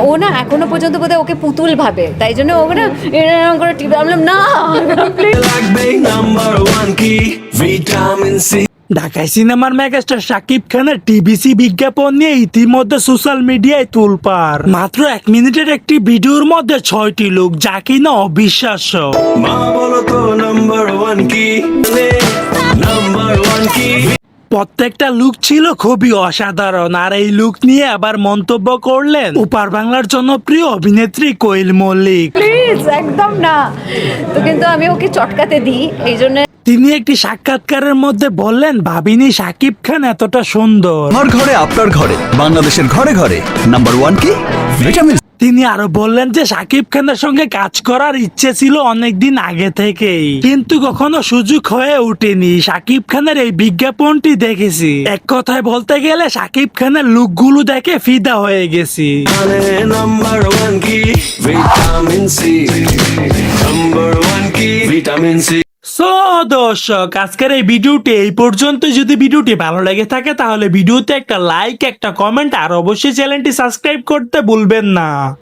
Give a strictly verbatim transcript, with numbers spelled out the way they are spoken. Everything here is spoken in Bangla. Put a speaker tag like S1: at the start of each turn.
S1: ও না এখনো পর্যন্ত বোধহয় ওকে পুতুল ভাবে, তাই জন্য ও না এরকম করে টিপে, আমি বললাম না
S2: লাগবে নাম্বার ওয়ান কি ভিটামিন সি।
S3: ঢাকায় সিনেমার মেগাস্টার শাকিব খানের টিভিসি বিজ্ঞাপন নিয়ে ইতিমধ্যে সোশ্যাল মিডিয়ায় তোলপাড়। মাত্র এক মিনিটের একটি ভিডিওর মধ্যে ছয়টি লোক, যা কিনা অবিশ্বাস্য।
S2: মা বলো তো নাম্বার ওয়ান কি, নাম্বার ওয়ান কি।
S3: প্রত্যেকটা লুক ছিল খুবই অসাধারণ, আর এই লুক নিয়ে আবার মন্তব্য করলেন ওপার বাংলার জনপ্রিয় অভিনেত্রী কোয়েল মল্লিক।
S1: প্লিজ একদম না। তো কিন্তু আমি ওকে চটকাতে দিই, এই জন্য
S3: তিনি একটি সাক্ষাৎকারের মধ্যে বললেন, ভাবিনি শাকিব খান এতটা সুন্দর।
S4: আমার ঘরে আপনার ঘরে বাংলাদেশের ঘরে ঘরে নাম্বার ওয়ান কি ভিটামিন।
S3: তিনি আরো বললেন যে শাকিব খানের সঙ্গে কাজ করার ইচ্ছে ছিল অনেকদিন আগে থেকেই, কিন্তু কখনো সুযোগ হয়ে ওঠেনি। শাকিব খানের এই বিজ্ঞাপনটি দেখেছি, এক কথায় বলতে গেলে শাকিব খানের লুকগুলো দেখে ফিদা হয়ে গেছি।
S2: নাম্বার ওয়ান কি ভিটামিন সি, নাম্বার ওয়ান কি ভিটামিন সি।
S3: সো দর্শক, আজকের এই ভিডিওটি এই পর্যন্ত। যদি ভিডিওটি ভালো লেগে থাকে তাহলে ভিডিওতে একটা লাইক, একটা কমেন্ট আর অবশ্যই চ্যানেলটি সাবস্ক্রাইব করতে ভুলবেন না।